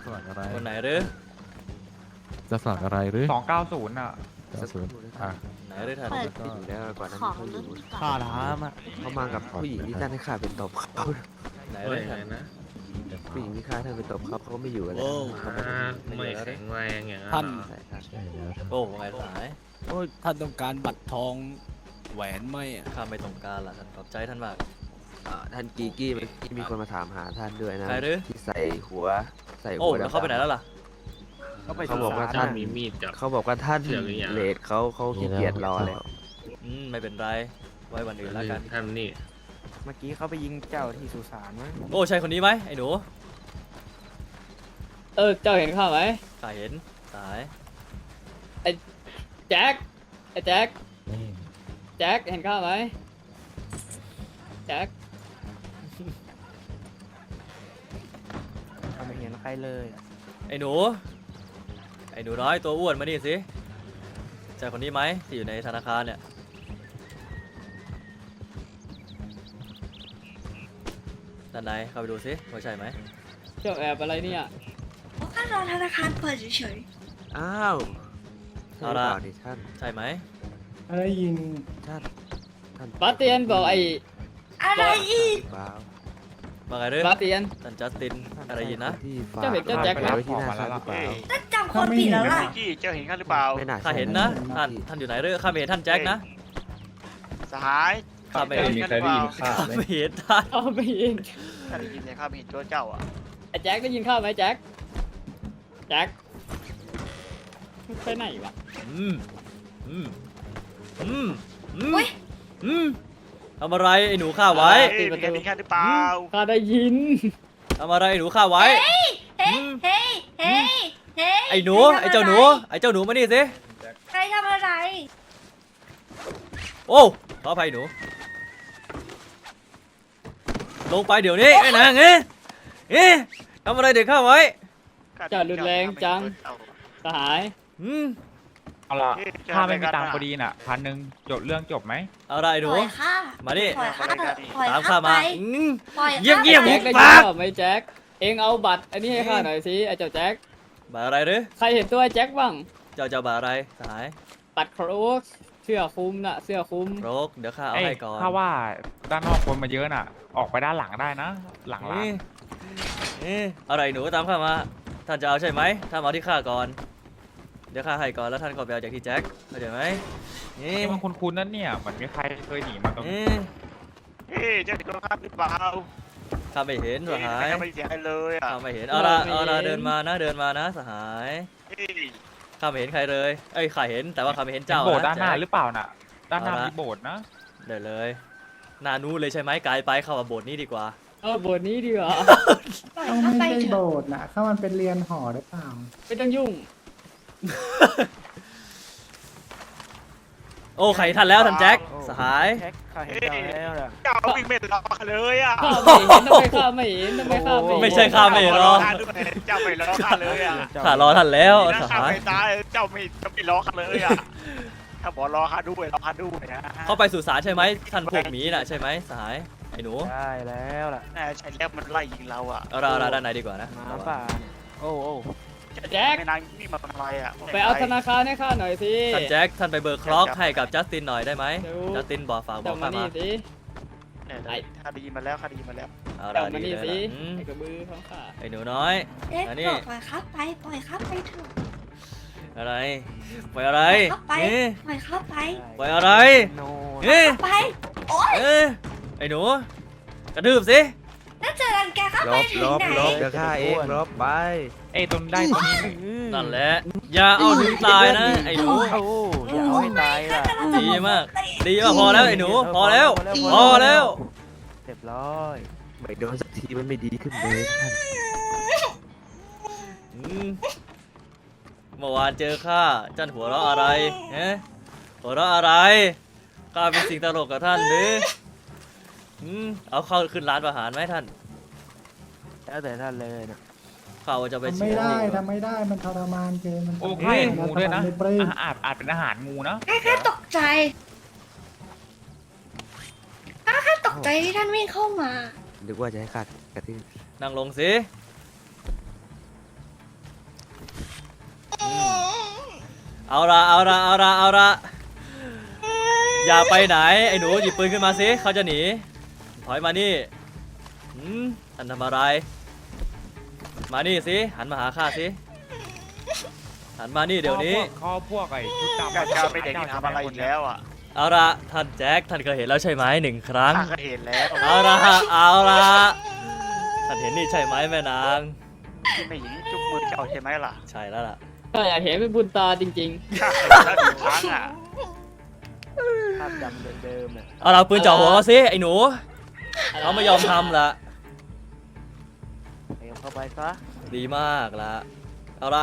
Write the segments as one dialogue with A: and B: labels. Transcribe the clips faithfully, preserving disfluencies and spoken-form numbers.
A: มัครอะไร
B: คนไหนหรือ
A: จะสมัครอะไรหรือ
C: สองเก้าศูนย์อ่ะ
A: เก้าศูนย์อ่ะ
B: ไหนหรือท่าน
A: แล้วก็
D: อยู่แล้วก่อนหนั้าน
E: ของ
D: เขาอยู่
E: ข้า
D: น้ำอ่ะเขามากับผู้หญิงที่ท่านให้ข้าเป็นตบเขา
B: ไหนหรือท่าน
D: ผู้หญิงที่ข้าท่านเป็นตบเขาเขาก็ไม่อยู่กันแล้ว
F: ไม่แข็งแรงอย่างนั้น
G: ท่าน
D: ใช่ครับ
A: ใช่แล้วครับ
B: โอ้ไงสาย
G: โอ้ยท่านต้องการบัตรทองแหวนไหมอะ
B: ข้าไม่ต้องการละท่านขอบใจท่านมาก
D: อ่าท่านกีกี้เมื่อกี้มีคนมาถามหาท่านด้วยนะ
B: ใครหรือ
D: ที่ใส่หัวใส่
B: โอ้
D: หัว
B: แล้วเขาไปไหนแล้วล่ะ
D: เขาบอกว่าท่าน
F: มีมีดจับ
D: เขาบอกว่าท่าน
F: เชื่อหรือยัง
D: เลดเขาเขาขี้เกียจรอแล้ว
B: อืมไม่เป็นไรไว้วันอื่นแล้วกัน
F: ท่านนี่
H: เมื่อกี้เขาไปยิงเจ้าที่สุสานมั้ง
B: โอ้ใช่คนนี้ไหมไอ้หนู
I: เออเจ้าเห็นข้าไหม
B: ข้าเห็นสาย
I: แจ็คไอ้แจ็คแจ็คเห็นข้าไหมแจ็ค
H: เขาไม่เห็นใครเลยอะ
B: ไอ้หนูไอ้หนูน้อยตัวอ้วนมานี่สิใช่คนนี้ไหมที่อยู่ในธนาคารเนี่ยด้านในเข้าไปดูสิว่าใช่ไหม
I: เจ้าแอบอะไรเนี่ย
E: เพราะข้ารอธนาคารเปิดเฉย
D: อ้าวใช่หรือเปล่าดิท่าน
B: ใช่ไหม
J: ได้ยิน
D: ท่านท่าน
I: บาสเตียนบอกไอ้
E: ๆอะไรอีก
D: เปล่า
B: มาไงเรื่อง
I: บาสเตียน
B: ท่านจัสติน
D: ท่าน
B: อะไรยินนะ
D: ที่ฝาก
I: เจ้าเห็นเจ้าแจ็คไหม
D: ไว้ที่หน้าข้าหรือเปล่า
E: ถ้าจำคนผิดแล้วล่ะ
K: กี้เจ้าเห็นข้าหรือเปล่า
D: ไม่น่า
B: ข้า
D: ใช่
B: เห็นนะท่านท่านอยู่ไหนเรื่องข้าไม่เห็นท่านแจ็คนะ
K: สหาย
B: ข้าไม่
K: เจ้า
B: เห็น
K: เห็นข้าหรือเปล่า
B: ข้าไม่เห็นท่าน
I: เอาไปเอง
K: ข้าได้ยินแต่ข้าไม่เห็นตัวเจ้าอ่ะ
I: ไอ้แจ็คได้ยินข้าไหมแจ็คแจ็คไปไหนวะ
B: อืมอืมอืมอืม
E: อุ๊ย
B: อืมทำอะไรไอ้หนูข้าไว้
K: เฮ้ยมีใครมีข้าหรือเปล่า
I: ข้าได้ยิน
B: ทำอะไรไอ้หนูข้าไว้
E: เฮ้ย เฮ้ย เฮ้ย เฮ้ย
B: ไอ้หนูไอ้เจ้าหนูไอ้เจ้าหนูมานี่สิ
E: ใครทำอะไร
B: โอ้ขออภัยหนูลงไปเดี๋ยวนี้ไอ้นางเอ๊ะเอ๊ะทำอะไรเด็กข้าไว้
I: เจ้ารุนแรงจัง สหาย
B: อืม
C: เอาละข้าไม่มีตังค์พอดีน่ะพันหนึ่งจบเรื่องจบไหม
B: เอาอะไรหนู
E: ปล่อยข้า
B: มาดิ
E: ปล่อยข้าเถอะปล่อย
B: ตาม
E: ข้า
B: ข้า
E: ไป
B: มาอืม
E: ปล่อย
B: เยี่ยม
E: ข้า
B: เยี่ยม
E: ไป
I: แจ็คได้ยินข้าไหมแจ็คเองเอาบัตรอันนี้ให้ข้าหน่อยสิไอ้เจ้าแจ็ค
B: บาอะไรหรือ
I: ใครเห็นตัวไอ้แจ็คบ้าง
B: เจ้าเจ้าบาอะไรสหาย
I: บัตรโครกเสื้อคลุมน่ะเสื้อคลุม
B: โรกเดี๋ยวข้าเอา
C: เอ้ย
B: ให้ก่อน
C: ถ้าว่าด้านนอกคนมาเยอะน่ะ ออกไปด้านหลังได้นะ หลังร้าน
B: เอ๊ะเอ๊ะอะไรหนูตามข้ามาท่านจะเอาใช่ไหมท่านมาเอาที่ข้าก่อนเดี๋ยวข้าให้ก่อนแล้วท่านก็ไปเอาจากที่แจ็คเข้าใจไหมเอ๊ะ
C: นี่มันคุ้นๆนั่นเนี่ยเหมือนมีใครเคยหนีมาตรงนี้
B: เอ๊ะ
K: เฮ้ยเจ้าเห็นตัวข้าหรือเปล่า
B: ข้าไม่เห็นสหาย
K: ข้าไม่เห็นอะไรเลยอ่ะ
B: ข้าไม่เห็นเอาละเอาละเดินมานะเดินมานะสหาย
K: เฮ้ย
B: ข้าไม่เห็นใครเลยเอ้ยข้าเห็นแต่ว่าข้าไม่เห็นเจ้า
C: โบสถ์
B: นะ
C: ด้านหน้า
B: แจ็ค
C: หรือเปล่าน่ะ ด้านหน้า
B: เอาละ
C: มีโบสถ์นะ
B: เดี๋ยวเลยหนานู้นเลยใช่ไหมไกลไปเข้ามาโบสถ์นี้ดีกว่า
I: เอาบทนี้ดีกว่า
E: ปล่อย
J: ต้อง
E: ข้า
J: ไม่
E: ไป
J: ใช่
E: เถ
J: โบ
E: อะ
J: สถ์นะถ้ามันเป็นเรียนหอหรือเปล่า
I: ไม่ต้องยุ่ง
B: โอ้ใครท่านแล้วท่านแจ็คสหาย
H: แท็กเขาเห็นเจ้าแล้วล่ะ
K: เจ้าวิ่งไม่รอข้าเลยอ่ะ
I: ข้าไม่เห็นทำไมข้าไม่เห็นทำไมข้าไม่เห็น
B: ไม่ใช่ข้าไม่รอ
K: ข้าด้วยเจ้าไม่รอข้าเลยอ่ะ
B: ข้ารอท่านแล้ว
K: ดีนะ
B: ส
K: ข้า
B: หาย
K: ไม่ตายเจ้าไม่เจ้าไม่รอข้าเลยอ่ะถ้าบอกรอข้าด้วยรอข้าด้วยนะ
B: เข้าไปสู่ศาลใช่ไหมท่านพวกหมีน่ะใช่ไหมสหายไอ้หนู
H: ได้แล้วล่ะ
K: น่าใช่แล้วมันไล่ยิงเราอ่ะ
B: เอาเราเราด้านในดีกว่านะ
H: หมาป่าเนี่ยโอ้โอ้
I: แจ็ค
K: ไม่นานนี่มาทำอะไรอ่ะ
I: ไปเอาธนาคารให้ข้าหน่อยสิ
B: ท่านแจ็คท่านไปเบิกคล็อกให้กับจัสตินหน่อยได้ไหม
I: เดี๋ยว
B: จัสตินบอกฝากบอ
I: เจ้าก มา
B: ข้า
I: นี่
B: มา
I: สิ
K: เนี่ยข้าได้ยินมาแล้วข้าได้ยินมาแล้ว
B: เอา
I: เจ้า
B: ละ
I: มา
B: ดี
I: นี่
B: เลย
I: สิ
B: ล่ะอืม
I: ไอ้กระบือของข้า
B: ไอ้หนูน้อย
E: เอ๊ะ
B: อันนี้
E: ปล่อยข้าไป ปล่อยข้าไปเถอะ
B: อะไรปล่อยอะไร
E: ข้าไป
B: เอ๊ะ
E: ปล่อยข้าไป
B: ปล่อยอะไร
H: โน
B: เอ๊ะ
E: ไป โอ๊ย
B: เอ๊ะไอ้หนูกระทืบสิ
E: นั่นจะรังแกข้า
D: ล
E: ไป
D: บ
E: ถึ
D: ล
E: ง
D: บ
E: ไหน
D: ลบเดี๋ยวข้าเองลบไป
C: เอ้ยตรงได้ตรงนี้
B: นั่นแหละอย่าเอาถึงตายนะไอ้หนู
H: โอ้อย่าเอาให้ตายล่ะ
B: ดีมากดีมากพอแล้วไอ้หนูพอแล้วพอแล้ว
H: เรียบร้อย
D: ไม่โดนสักทีมันไม่ดีขึ้นเลยท่าน
B: อืมเมื่อวานเจอข้าจันหัวเราะอะไรฮะหัวเราะอะไรข้าเป็นสิ่งตลกกับท่านหรืออืมเอาเข้าขึ้นร้านอาหารไหมท่าน
H: แล้วแต่ท่านเลยนะ
B: ข้าว่าจะไป
J: ทำ
B: เชี
J: ไม่
B: ยร์
J: ได้
B: ที่
J: ทำไม่ได้มันทรมานเกินมัน
C: โอ้ใช่งูด้วยนะ
J: ไม่ปลื้ม
C: อาอาจอาจเป็นอาหารงูนะ
E: แค่ตกใจข้าแค่ตกใจที่ท่านวิ่งเข้ามา
D: นึกว่าจะให้ข้ากระทืบ
B: นั่งลงสิเอาละเอาละเอาละเอาละอย่าไปไหนไอ้หนูหยิบปืนขึ้นมาสิเขาจะหนีถอยมานี่หืมท่านทำอะไรมานี่สิหันมาหาข้าสิหันมานี่เดี๋ยวนี้
C: ข้อพวกไอ้ชุดดำ
K: กาเจ้าเป็นเด็กที่ทำอะไรอีกแล้วอ่ะ
B: เอาละท่านแจ็คท่านเคยเห็นแล้วใช่ไหมหนึ่งครั้ง
K: ข้าก็เห็นแล้ว
B: เอาละเอาละท่านเห็นนี่ใช่ไหมแม่นาง
K: ที่ไม่หญิงจุกมือเจ้าใช่ไหมล่ะ
B: ใช่แล้วล่ะ
I: ข้าอยากเห็นเป็นบุญตาจริง
K: ข้าเคยเห็นแล้วหนึ่งครั้งอ่ะ
H: ภาพจำเดิมๆน่ะ
B: เอาละปืนจ่อหัวเขาสิไอ้หนู
I: ๆ
B: เขาไม่ยอมทำละ
H: เตรียมเข้าไปซะ
B: ดีมากละเอาละ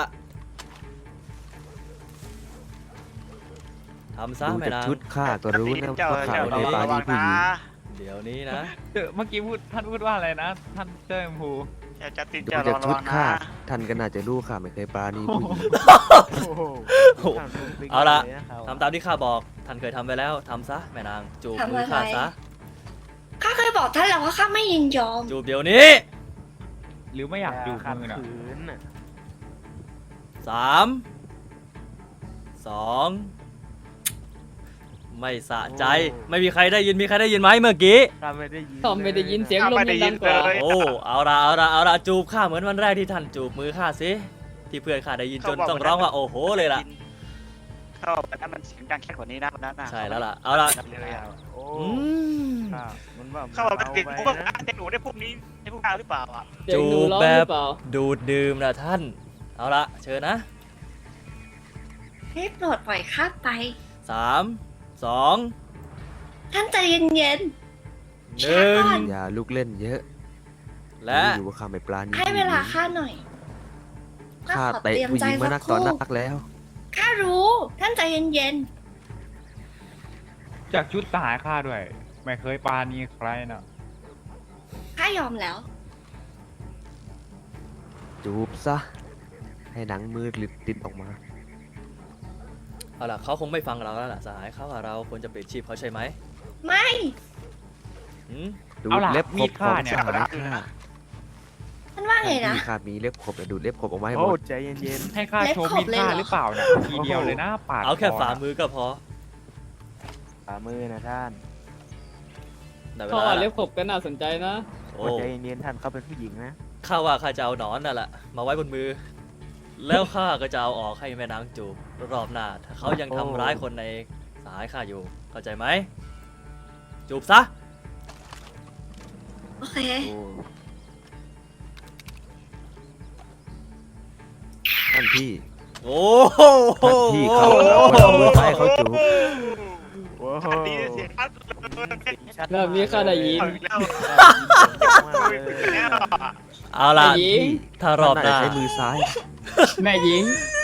B: ทำซะ
D: ดู
B: แม่
D: จาก
B: นาง
D: ชุดข้าก็รู้นะ
K: เจ้า
D: ว่าข้า
K: เจ้า
D: ไม่
K: ระ
D: ปรา
K: วั
D: ณี
K: ง
D: ผู้
K: นะ
D: หญิง
B: เดี๋ยวนี้นะ
C: เมื่อกี้พูดท่านพูดว่าอะไรนะ ท่านเจ้าชมพู
K: เจ้าจะติด
D: ดู
K: เจ้า
D: จาก
K: ระ
D: ชุด
K: วังนะ
D: ข้าท่านก็น่าจะรู้ข้าไม่เคยปราณีผู้หญิง
H: โอ้โห
B: เอาละ
H: ยนเขา
B: ทำตามที่ข้าบอกท่านเคยทำไปแล้วทำซะแม่นางจูบมือข้าซะ
E: ข้าเคยบอกท่านแล้วว่าข้าไม่ยินยอม
B: จูบเดี๋ยวนี้
C: หรือไม่อยากดู
H: ขัด
C: มือน่ะ
H: ขืนน่ะ
B: สามสองไม่สะใจไม่มีใครได้ยินมีใครได้ยินไหมเมื่อกี้
H: ข้าไม่ได้ยิน
I: ทอมไม่ได้ยินเสียงลม
K: ไม่ได้
I: ยัง
K: ยิ
I: ดั
K: น
I: งกว่า
K: เลย
B: โอ้เอาละเอาละเอาละจูบข้าเหมือนวันแรกที่ท่านจูบมือข้าสิที่เพื่อนข้าได้ยินจนต้องร้องว่าโอ้โหเลยล่ะ
K: เข้าไปนั้นมันเสียงดังแค่กว่านี้นะวันนั้นน่ะ
B: ใช่แล้วล่ะเอาละ
K: เลยอ่ะ
H: โอ้
B: อืม
H: ข้ามันว่า
K: เข้าไปติด
H: เบ
K: พวก
H: ไปนะ
K: เด็กหนูได้พวกนี้ได้พวกเราหรือเปล่าอ่ะ
I: เสียงหนูร้องหรือเปล่า
B: ดูดดื่มนะท่านเอาละเชิญนะ
E: ให้โปรดปล่อยข้าไป
B: สามสอง
E: ท่านใจเย็น
B: หนึ่ง
D: อย่าลุกเล่นเยอะ
B: และ
D: รู้อยู่ว่าข้าไม่ปราณี
E: ๆ ให้เวลาข้าหน่อย
D: ข้า
E: ขอ
D: เตะ
E: รียม
D: ผู้ห
E: ใจ
D: ญิงมานักต่อนักแล้ว
E: ข้ารู้ ท่านใจเย็น
C: จากชุดทหารข้าด้วย ไม่เคยปาณีใครน่ะ
E: ๆ ข้ายอมแล้ว
D: จูบซะ ให้หนังมือหลุดติดออกมา
B: เอาล่ะเขาคงไม่ฟังเราแล้วล่ะสหายเขาว่าเราควรจะเปลี่ยนชีพเขาใช่ไหม
E: ไม่
B: หืม
D: ดู
C: เอา
D: ด
C: ล่ะ
D: เล็บข
C: มี
D: บ
C: ด
D: ข
C: ข้า
D: อง
C: เนี่ย
D: สหายข้า
E: ท่านว่าไงนะ
D: ที่ข้ามีเล็บขบแต่ดูดเล็บขบออกมาให้ห
H: โอ้
D: มด
H: ใจเย็น
C: ให้ข้าโชว์มีดข้าหรือเปล่าน่ะทีเดียวเลยนะปาด
B: เอาแค่
C: ค
B: ฝ่า
C: น่ะ
B: มือก็พอ
H: ๆฝ่ามือนะท่าน
B: ได้เว
I: เขา
B: ลา
I: อ่าน
B: ละ
I: เล็บขบก็น่าสนใจนะ
B: โอ้
H: โอ้ใจเย็นๆท่านเขาเป็นผู้หญิงนะ
B: ข้าว่าข้าจะเอาหนอนน่ะแหละมาไว้บนมือ แล้วข้าก็จะเอาออกให้แม่นางจูบรอบหน้าถ้าเขายังทำร้ายคนในสหายข้าอยู่เข้าใจไหมจูบซะ
E: โอเค
H: โอ้
D: ท่านพี่
B: โอ้โห
D: ท่านพี่เขาควรเอามือซ้ายเขาจูบ
H: โอ้โห
K: อันนี้เสียงชัดเลย
H: ชัด
I: เริ่มมีข้าได้ยิน
K: เอาอีกแล้ว
H: มากเลย
K: แล้วอะ
B: เอาล่ะ
I: แม่หญิง
B: ถ้ารอบห
D: ท่าน
B: น้า
D: น่าจะใช้มือซ้าย
I: แม่หญิง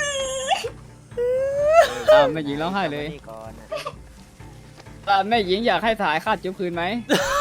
I: อ่าแม่หญิงร้องไห้เลย
H: นี่ก่อนนะ
I: อ่าแม่หญิงอยากให้ถ่ายคาดจุ๊บคืนไหม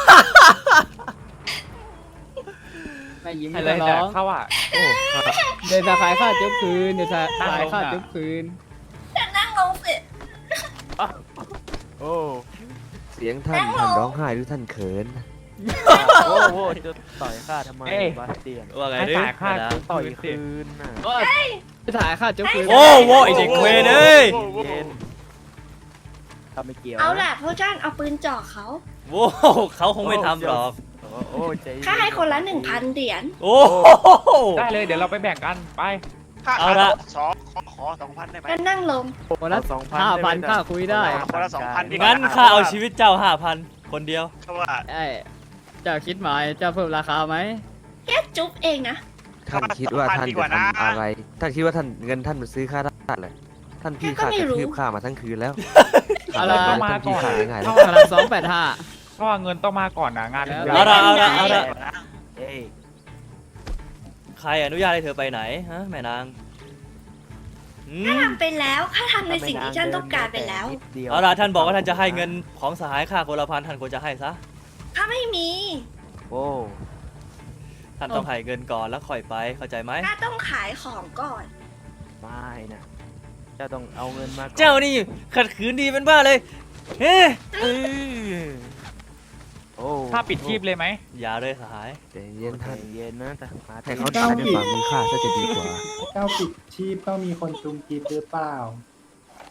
I: แม่หญิง
C: ให้
I: ไม่
C: เล
I: ต้อย ง
C: แต่
I: ร้อง
C: ข้าว่า
D: โอ้ข้า
I: เดี๋ยวจะขายคาดจุ๊บคืนเดี๋ยวจะ
C: ตั้ง
I: ขาย
C: ลง
I: คาด
C: น่ะ
I: จุ๊บคืน
E: นั่งลงสิ
H: โอ้
D: เสียงท่านท่านร้องไห้หรือท่านเขิน
H: โอ้โหจะต่อยข้าทำไม
C: เอ้ย
H: บาสเตียน
B: ว่าไง
C: ให้
B: ดิ
C: จ่ายค่า
B: แม่นาง
C: จุ๊บ
H: ต่อย
C: คืนสิ
H: คืนน่ะ
I: ก็จะถ่ายคาดจุ๊บคืน
B: โอ้โหไอเด็กเวรเอ้ย
H: เย็นๆข้าไม่เกี่ยว
E: เอา
H: นะ
E: ล่ะพวกท่านเอาปืนจ่อเขา
B: โว้วเขาคงไม่ทำหรอก
H: โอ้โอ้ใจเย็น
E: ข้าให้คนละหนึ่งพันเหรียญ
B: โอ้โห
C: ได้เลยเดี๋ยวเราไปแบ่งกันไป
K: ค่า
B: เอาละ
K: สองขอขอสองพันได้ไหม
E: ก็นั่งลง
I: คนละ
H: สองพัน
I: ห้าพัน
H: ได้ไหม
I: ค่าคุยได้
K: คนละสองพันดี
B: งั้นข้าเอาชีวิตเจ้าห้าพันคนเดียว
K: เพราะว่า
I: ไอ้เจ้าคิดหมายเจ้าเพิ่มราคาไหม
E: แค่จุ๊บเองนะ
D: ท่านคิดว่าท่านจะทำอะไร ท่านคิดว่าท่านเงินท่านมาซื้อข้าได้เลยท่านพี่ข้ากระทืบข้ามาทั้งคืนแล้ว
I: อะไร
C: ต้องมา
D: ท่าน
C: ก่
D: พี่
C: อน
D: ขายังไง
C: เท่า
I: ขนาดสองแปดห้า
C: เพราะว่าเงินต้องมาก่อนนะงานถึงจะ
B: เอาละเอาละเอาละ
H: เอ้ย
B: ใครอนุญาตให้เธอไปไหนฮะแม่นางอื
E: ข้าม ทำไปแล้วข้าทำในสิ่งที่ท่านต้องการไปแล้ว
H: นิดดียว
B: เอาล่ะท่านบอกว่าท่านจะให้เงินของสหายข้าคนละพันท่านควรจะให้ซะ
E: ข้าไม่มี
H: โอ้
B: ท่านต้องให้เงินก่อนแล้วค่อยไปเข้าใจไหม
E: ข้าต้องขายของก่อน
H: ไม่นะเจ้าต้องเอาเงินมาก่อน
B: เจ้านี่ขัดขืนดีเป็นบ้าเลยเฮ้
H: เออโอ้
C: ถ้าปิดชีพเลยไหม
B: อย่าเลยสหาย
D: ใจเย็น
H: ท่า
D: ท่าน น
H: เย็นนะแต่มา
D: ให้เขาตายด้วยฝ่ามือข้าซะจะดีกว่า
J: เจ้าปิดชีพต้องมีคนจุมกีบหรือเปล่า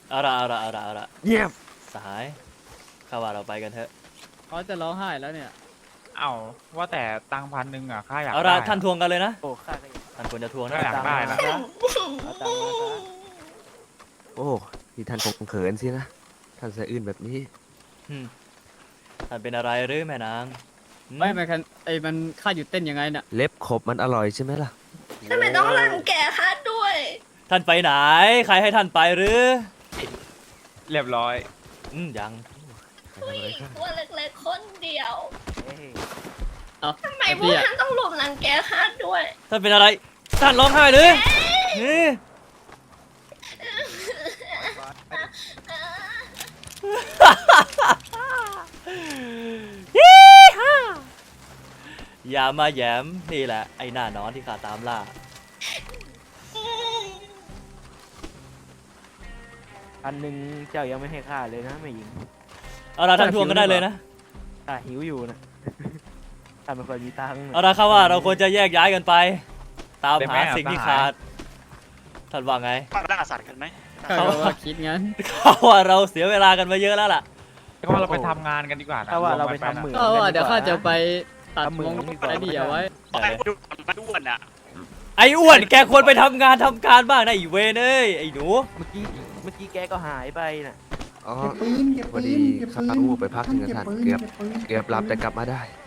B: เอาละเอาละเอาละเอาละ
D: เงียบ
B: สหายข้าว่าเราไปกันเถอะ
I: เขาจะร้องไห้แล้วเนี่ย
C: เอ้าว่าแต่ตังค์พันหนึ่งอ่ะข้าอยาก
B: เอา
C: ได้
B: ละ
C: อะ
B: ท่านทวงกันเลยนะ
H: โอ้ข้าก็อยาก
B: ท่านควรจะทวง
C: ก็
B: นะ
C: อยากได้นะ
H: เอาตังค์มาซะ
D: โอ้ที่ท่านคงเขินสินะ ท่านสะอื้นแบบนี้
B: อืมท่านเป็นอะไรหรือแม่นางหืม
I: ไม่ไม่คันไอ้มันค่าหยุดเต้นยังไงน่ะ
D: เล็บขบมันอร่อยใช่ไหมล่ะ
E: ทำไมต้องรังแกข้าด้วย
B: ท่านไปไหน ใครให้ท่านไปหรือ
C: เรียบร้อย
B: อืมยัง
E: ผู้หญิงตัวเล็กๆคนเดียว
H: เอ้ย
I: เอา
E: ทำไม
I: ไอ้
E: พวก
I: เบี้ย
E: ท่านต้องรุมรังแกข้าด้วย
B: ท่านเป็นอะไร ท่านร้องไห้หรือเฮ้ยอย่ามาแหยมนี่แหละไอ้หน้านอนที่ข้าตามล่า
H: พันหนึ่งเจ้ายังไม่ให้ข้าเลยนะแม่หญิง
B: เอาละท่านทวงก็ได้เลยนะ
H: ข้าหิวอยู่นะ ข้าไม่ค่อยมีตังค์
B: เอาละครับว่าเราควรจะแยกย้ายกันไป ตาม
C: ได้ไหม
B: หา
C: อ่ะ
B: สิ่งที่
C: สหาย
B: ขาด ท่านว่าไง
K: มาล่าสัตว์กันไหม
I: ข้าก็ว่าคิดงั้น
B: เขาว่าเราเสียเวลากันมาเยอะแล้วล่ะ
C: ก็ว่าเราไปทำงานกันดีกว่านะ
H: ถ้าว่าเรา
C: วม
H: ไป
C: กัน
H: ทำเหมือง
I: ก็ว่าเดี๋ยวข้าจะไปตัด
H: ทำเหมื
I: ม
H: อง
I: ง
H: ดีกว่า
I: ไอ้นี่เอาไว้
K: บอกให้ดูมันอ้วนอ่ะ
B: ไอ้อ้วนแกควรไปทำงานทำการบ้างนะไอ้เวนเอ้ยไอ้หนู
H: เมื่อกี้เมื่อกี้แกก็หายไปน่ะ
D: อ๋อ
J: เก็บปืนเก็บ
D: พอ
J: ปื
D: ดี
J: นเก็บ
D: ข้า
J: ปืน
D: วูบไปพักหนึ่งกับท่าน
J: ปื
D: เกือบ
J: ปืน
D: เกือบหลับแต่กลับมาได้